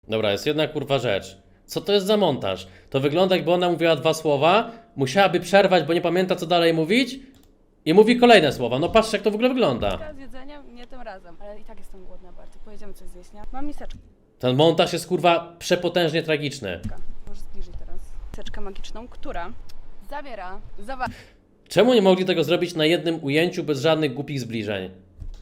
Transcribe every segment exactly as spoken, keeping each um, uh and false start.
Dobra, jest jedna kurwa rzecz. Co to jest za montaż? To wygląda, jakby ona mówiła dwa słowa, musiałaby przerwać, bo nie pamięta, co dalej mówić i mówi kolejne słowa. No patrzcie, jak to w ogóle wygląda. Z jedzeniem, nie tym razem, ale i tak jestem głodna bardzo. Pojedziemy coś zjeść, nie? Mam miseczkę. Ten montaż jest kurwa przepotężnie tragiczny. Może zbliżyć teraz. Miseczkę magiczną, która zawiera zawartość. Czemu nie mogli tego zrobić na jednym ujęciu bez żadnych głupich zbliżeń?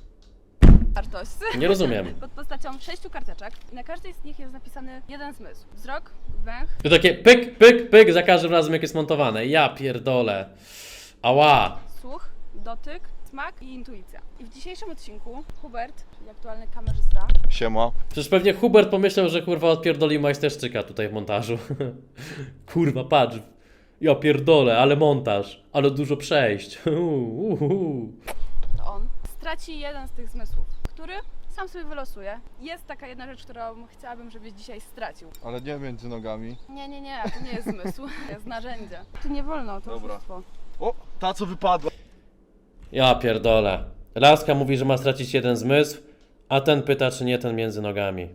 Nie rozumiem. Pod postacią sześciu karteczek. Na każdej z nich jest napisany jeden zmysł. Wzrok, węch, To takie pyk, pyk, pyk za każdym razem, jak jest montowane. Ja pierdolę. Ała. słuch, dotyk, smak i intuicja. I w dzisiejszym odcinku Hubert, czyli aktualny kamerzysta, Siema. Przecież pewnie Hubert pomyślał, że kurwa odpierdoli majsterszczyka tutaj w montażu. Kurwa, patrz. Ja pierdolę, ale montaż. Ale dużo przejść. Uhuhu. to on straci jeden z tych zmysłów, który sam sobie wylosuje. Jest taka jedna rzecz, którą chciałabym, żebyś dzisiaj stracił. Ale nie między nogami. Nie, nie, nie, to nie jest zmysł, to jest narzędzie. Tu nie wolno, to Dobra. oszustwo. O, ta co wypadła. Ja pierdolę. Laska mówi, że ma stracić jeden zmysł, a ten pyta, czy nie ten między nogami.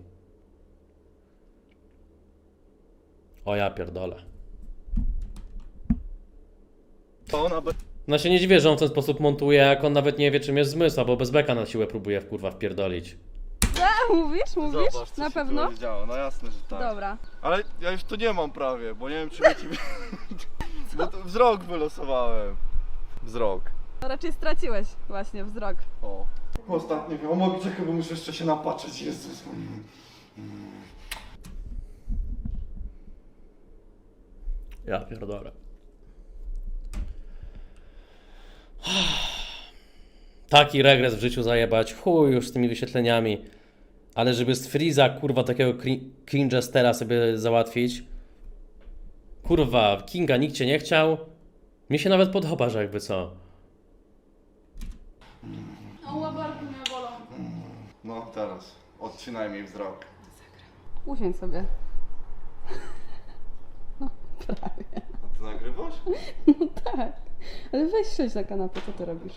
O ja pierdolę. To ona be... No się nie dziwię, że on w ten sposób montuje, jak on nawet nie wie, czym jest zmysł, albo bez beka na siłę próbuje w kurwa wpierdolić. A, mówisz, mówisz? Zobacz, co Na się pewno? tu działo. No jasne, że tak. Dobra. Ale ja już to nie mam prawie, bo nie wiem czy mi ci... Bo to wzrok wylosowałem. Wzrok. To raczej straciłeś właśnie wzrok. O. Ostatni wiem, o mogę czekaj, bo muszę jeszcze się napatrzeć, Jezus. Ja pierdolę. Taki regres w życiu zajebać, chuj już z tymi wyświetleniami. Ale żeby z Freeza, kurwa, takiego cringestera sobie załatwić. Kurwa, Kinga nikt cię nie chciał. Mi się nawet podoba, że jakby co. O, łabarki mnie bolą. No teraz, odcinaj mi wzrok. Usiądź sobie. A ty nagrywasz? Tak. Ale weź siedź na kanapę, co ty robisz?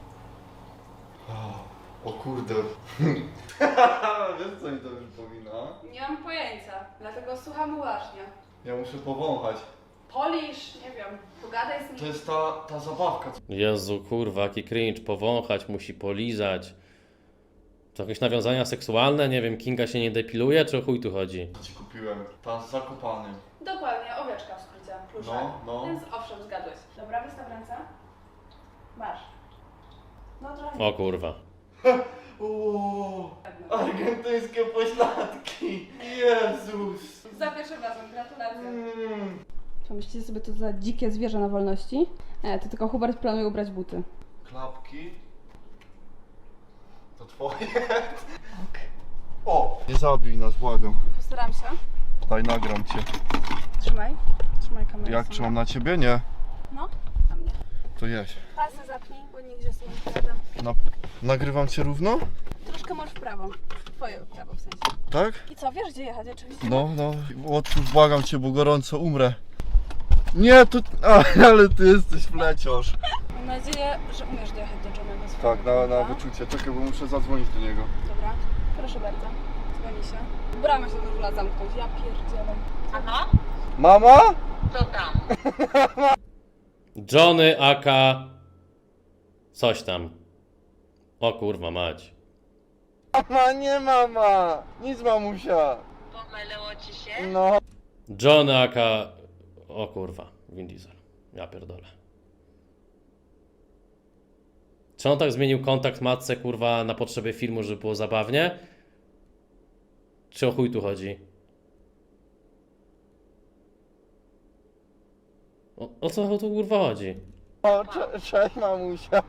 O kurde. Wiesz co mi to przypomina? Nie mam pojęcia, dlatego słucham uważnie. Ja muszę powąchać. Polisz, nie wiem, pogadaj z To nim. jest ta, ta zabawka. Jezu, kurwa, jaki cringe. Powąchać, musi polizać. To jakieś nawiązania seksualne? Nie wiem, Kinga się nie depiluje, czy o chuj tu chodzi? Co ci kupiłem? Ta z zakopanym. Dokładnie, owieczka w skrócie, pluszek. No, no. Więc owszem, zgadłeś. Dobra, wystaw ręce. Masz. No trochę. O kurwa. Uuu, argentyńskie pośladki. Jezus. Za pierwszym razem, gratulacje. Mm. Pomyślicie sobie, to za dzikie zwierzę na wolności? Nie, to tylko Hubert planuje ubrać buty. Klapki. To twoje. Ok. O! Nie zabij nas, błagam. Postaram się. Daj, nagram cię. Trzymaj. Trzymaj kamerę. Jak sobie. trzymam na ciebie? Nie. No, na mnie. To jedź. Pasy zapnij, bo nigdzie sobie nie wkładam. Na... Nagrywam cię równo? Troszkę masz w prawo. Twoje w prawo w sensie. Tak? I co, wiesz gdzie jechać oczywiście? No, no. Otwórz, błagam cię, bo gorąco umrę. Nie, to... A, ale ty jesteś fleciarz. Mam nadzieję, że umiesz dojechać do Johnego swojego. Tak, na, na Dobra? wyczucie. Czekaj, bo muszę zadzwonić do niego. Dobra, proszę bardzo. Dzwoni się. Bramę się zdążyła zamknąć, ja pierdzielę. Aha, Mama? co tam? Johnny aka... Coś tam. O kurwa mać. Mama, nie mama! Nic mamusia! Pomyliło ci się? No. Johnny aka... O kurwa, Vin Diesel. Ja pierdolę. Czy on tak zmienił kontakt matce, kurwa, na potrzeby filmu, żeby było zabawnie? Czy o chuj tu chodzi? O, o co tu kurwa chodzi? O, cze- cześć mamusia.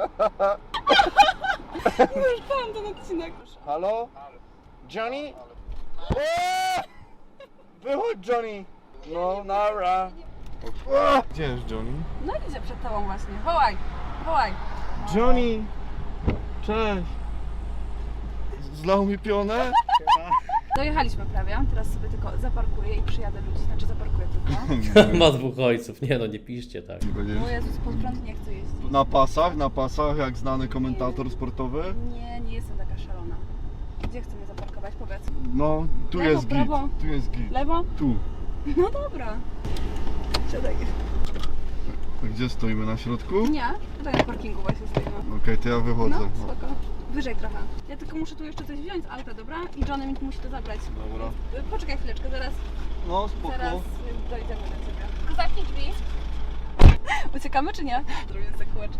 Już pan ten odcinek. Halo? Johnny? Eee! Wychodź Johnny! No, nara. O, gdzie jest Johnny? No idzie przed tobą właśnie. Wołaj, wołaj. Johnny! Cześć! Zlał mi pionę? Dojechaliśmy prawie, teraz sobie tylko zaparkuję i przyjadę ludzi, znaczy zaparkuję tylko. Ma dwóch ojców. Nie no, nie piszcie tak. O Jezus, pod prąd nie chcę jeździć. Na pasach, na pasach, jak znany komentator sportowy. Nie, nie jestem taka szalona. Gdzie chcemy zaparkować? Powiedz. No, tu Lewo, jest prawo. git, tu jest git. Lewo? Tu. No dobra. Siadaj. A gdzie stoimy, na środku? Nie, tutaj na parkingu właśnie stoimy. Okej, to ja wychodzę. No, spoko. Wyżej trochę. Ja tylko muszę tu jeszcze coś wziąć z auta, dobra? I Johnny mi musi to zabrać. Dobra. Y, Poczekaj chwileczkę, zaraz, No, spoko. zaraz y, dojdziemy do ciebie. Tylko zamknij drzwi. Uciekamy czy nie? Zrobię sobie kółeczko.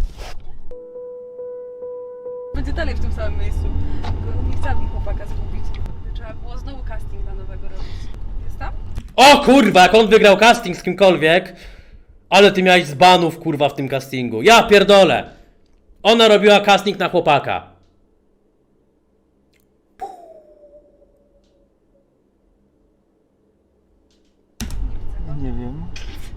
Będzie dalej w tym samym miejscu. Tylko nie chciałabym chłopaka zgubić. Trzeba było znowu casting dla nowego robić. Jest tam? O kurwa, jak on wygrał casting z kimkolwiek, ale ty miałeś z banów kurwa w tym castingu. Ja pierdolę. Ona robiła casting na chłopaka. Nie widzę go. Nie wiem.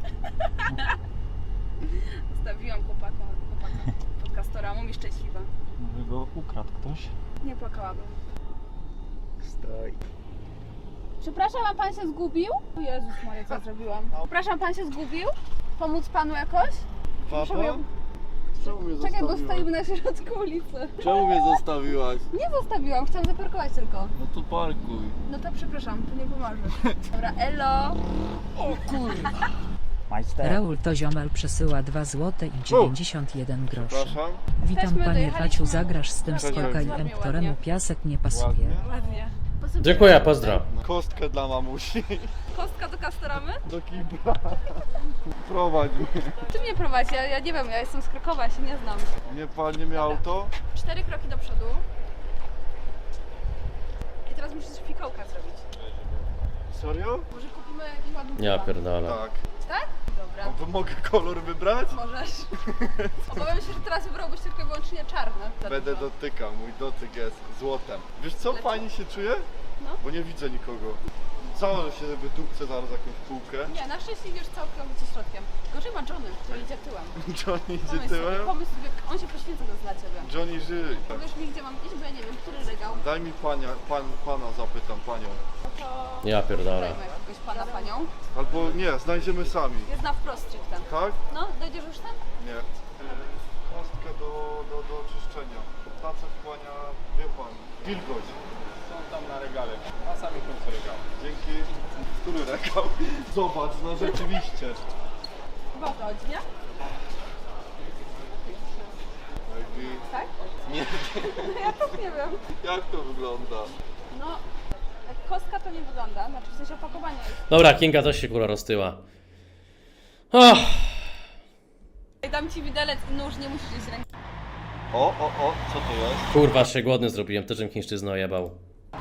Zostawiłam chłopaka, chłopaka pod kastoramą i szczęśliwa. Może go ukradł ktoś? Nie płakałabym. Staj. Przepraszam, a pan się zgubił? O Jezus Maria, co zrobiłam? Przepraszam, pan się zgubił? Pomóc panu jakoś? Proszę Papa? mnie- Czemu mnie Czekaj, bo zostawiłaś? stoimy na środku ulicy. Czemu mnie zostawiłaś? Nie zostawiłam, chciałam zaparkować tylko. No to parkuj. No to przepraszam, to nie pomoże. Dobra, elo. Majster. Raul to ziomal przesyła dwa złote i dziewięćdziesiąt jeden groszy. Przepraszam. Witam Jesteśmy, panie dojechaliśmy. Faciu, zagrasz z tym Cześć, skoka i ładnie. em, któremu piasek nie pasuje. Ładnie. Ładnie. Dziękuję, pozdro. Kostkę dla mamusi. Kostka do kastoramy? Do kibla. Prowadź mnie. Ty mnie prowadzi, ja, ja nie wiem, ja jestem z Krakowa, ja się nie znam. Nie palnie mi auto? Cztery kroki do przodu. I teraz musisz fikołka zrobić. Serio? Może kupimy jakiś ładny Ja dywan. pierdolę. Tak. Tak? Dobra. A to mogę kolor wybrać? Możesz. Obawiam się, że teraz wybrałbyś tylko i wyłącznie czarny. Za Będę dużo. dotykał, mój dotyk jest złotem. Wiesz co, Lecę. fajnie się czuję? No. Bo nie widzę nikogo. Założę się, żeby dupce zaraz jakąś półkę. Nie, na szczęście idziesz całkowicie środkiem. Gorzej ma Johnny, który idzie tyłem. Johnny idzie Pomyśl sobie, tyłem? pomyśl sobie, on się poświęca to dla ciebie. Johnny żyj. Powiesz mi, gdzie mam iść, bo ja nie wiem, który regał. Daj mi pania, pan, pana zapytam, panią. No to... Ja pierdolę. Szukajmy jakiegoś pana, panią. Albo nie, znajdziemy sami. Jest na wprost stricte. Tak? No, dojdziesz już tam? Nie. Kostkę do, do, do czyszczenia. Tace wchłania, wie pan, wilgoć. Są tam na regale, na samym końcu regału. Dzięki. Który regał? Zobacz, no rzeczywiście. Chyba o to chodzi, nie? Maybe. Tak? Nie No ja też nie wiem. Jak to wygląda? No, jak kostka to nie wygląda, znaczy w sensie opakowanie jest. Dobra, Kinga też się kurwa roztyła. Oh. Dam ci widelec i nóż, nie musisz iść ręką. O, o, o, co to jest? Kurwa, się głodny zrobiłem, też bym chińszczyznę ojebał.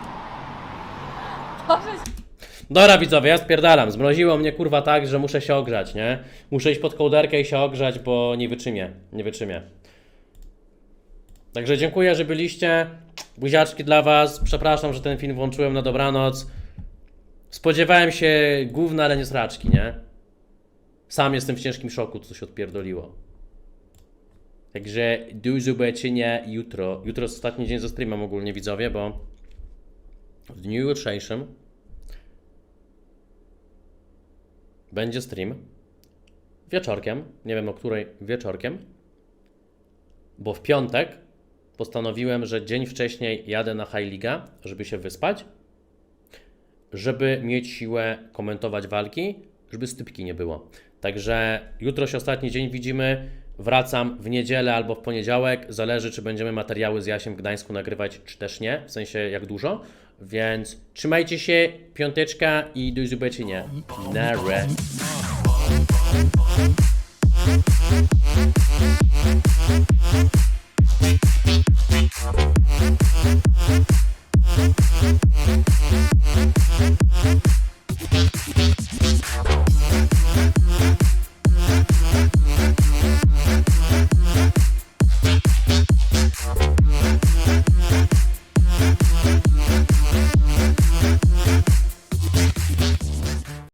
Boże, Dobra widzowie, ja spierdalam. Zmroziło mnie kurwa tak, że muszę się ogrzać, nie? Muszę iść pod kołderkę i się ogrzać, bo nie wytrzymię. Nie wytrzymię. Także dziękuję, że byliście. Buziaczki dla was. Przepraszam, że ten film włączyłem na dobranoc. Spodziewałem się gówna, ale nie sraczki, nie? Sam jestem w ciężkim szoku, co się odpierdoliło. Także do zobaczenia jutro. Jutro jest ostatni dzień ze streamem ogólnie widzowie, bo w dniu jutrzejszym będzie stream wieczorkiem, nie wiem o której wieczorkiem, bo w piątek postanowiłem, że dzień wcześniej jadę na High Liga, żeby się wyspać, żeby mieć siłę komentować walki, żeby stypki nie było. Także jutro się ostatni dzień widzimy, wracam w niedzielę albo w poniedziałek, zależy czy będziemy materiały z Jasiem w Gdańsku nagrywać, czy też nie, w sensie jak dużo, więc trzymajcie się, piąteczka i do zobaczenia. Na razie.